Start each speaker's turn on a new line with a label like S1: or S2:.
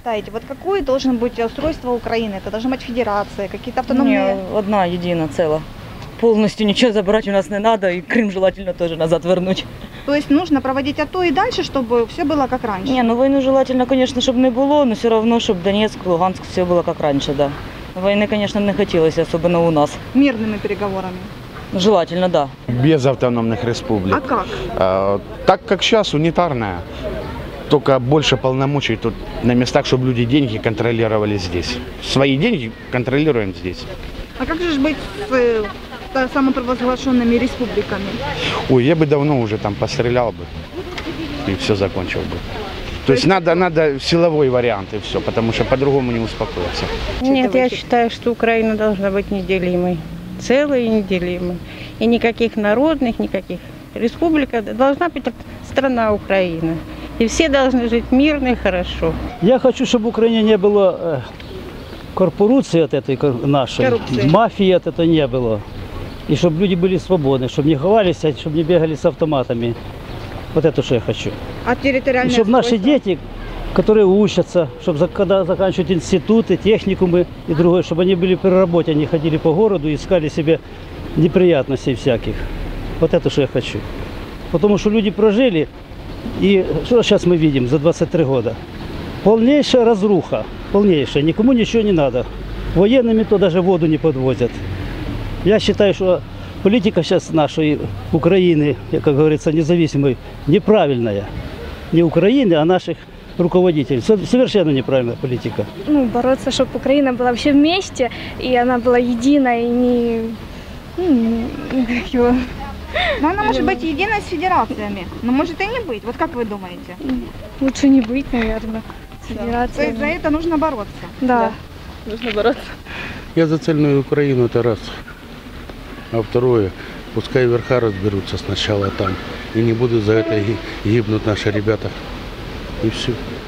S1: считаете, вот какое должен быть устройство Украины? Это должна быть федерация, какие-то автономные...
S2: Не, одна едина целая. Полностью ничего забрать у нас не надо, и Крым желательно тоже назад вернуть.
S1: То есть нужно проводить АТО и дальше, чтобы все было как раньше?
S2: Не, ну войну желательно, конечно, чтобы не было, но все равно, чтобы Донецк, Луганск, все было как раньше, да. Войны, конечно, не хотелось, особенно у нас.
S1: Мирными переговорами?
S2: Желательно, да.
S3: Без автономных республик.
S1: А как?
S3: Так как сейчас, унитарная. Только больше полномочий тут на местах, чтобы люди деньги контролировали здесь. Свои деньги контролируем здесь.
S1: А как же быть с самопровозглашенными республиками?
S3: Ой, я бы давно уже там пострелял бы и все закончил бы. То есть надо силовой вариант и все, потому что по-другому не успокоиться.
S4: Нет, я считаю, что Украина должна быть неделимой, целой и неделимой. И никаких народных, никаких республик. Должна быть страна Украина. И все должны жить мирно и хорошо.
S5: Я хочу, чтобы в Украине не было корпорации от этой нашей,
S1: Коррупции.
S5: мафии от этого не было. И чтобы люди были свободны, чтобы не ховались, чтобы не бегали с автоматами. Вот это, что я хочу.
S1: А территориальное
S5: И чтобы наши
S1: устройство?
S5: дети, которые учатся, чтобы когда заканчивают институты, техникумы и другое, чтобы они были при работе, они ходили по городу и искали себе неприятностей всяких. Вот это, что я хочу. Потому что люди прожили, и что сейчас мы видим за 23 года? Полнейшая разруха, полнейшая, никому ничего не надо. Военными то даже воду не подвозят. Я считаю, что политика сейчас нашей Украины, как говорится, независимой, неправильная. Не Украины, а наших руководителей. Совершенно неправильная политика.
S6: Ну, бороться, чтобы Украина была вообще вместе, и она была единой, и не...
S1: Но она может быть единой с федерациями, но может и не быть. Вот как вы думаете?
S6: Лучше не быть, наверное, с
S1: То есть
S6: федерацией.
S1: за это нужно бороться?
S6: Да.
S2: Нужно бороться.
S7: Я за цельную Украину, это раз. А второе, пускай верха разберутся сначала там. И не будут за это гибнуть наши ребята. И все.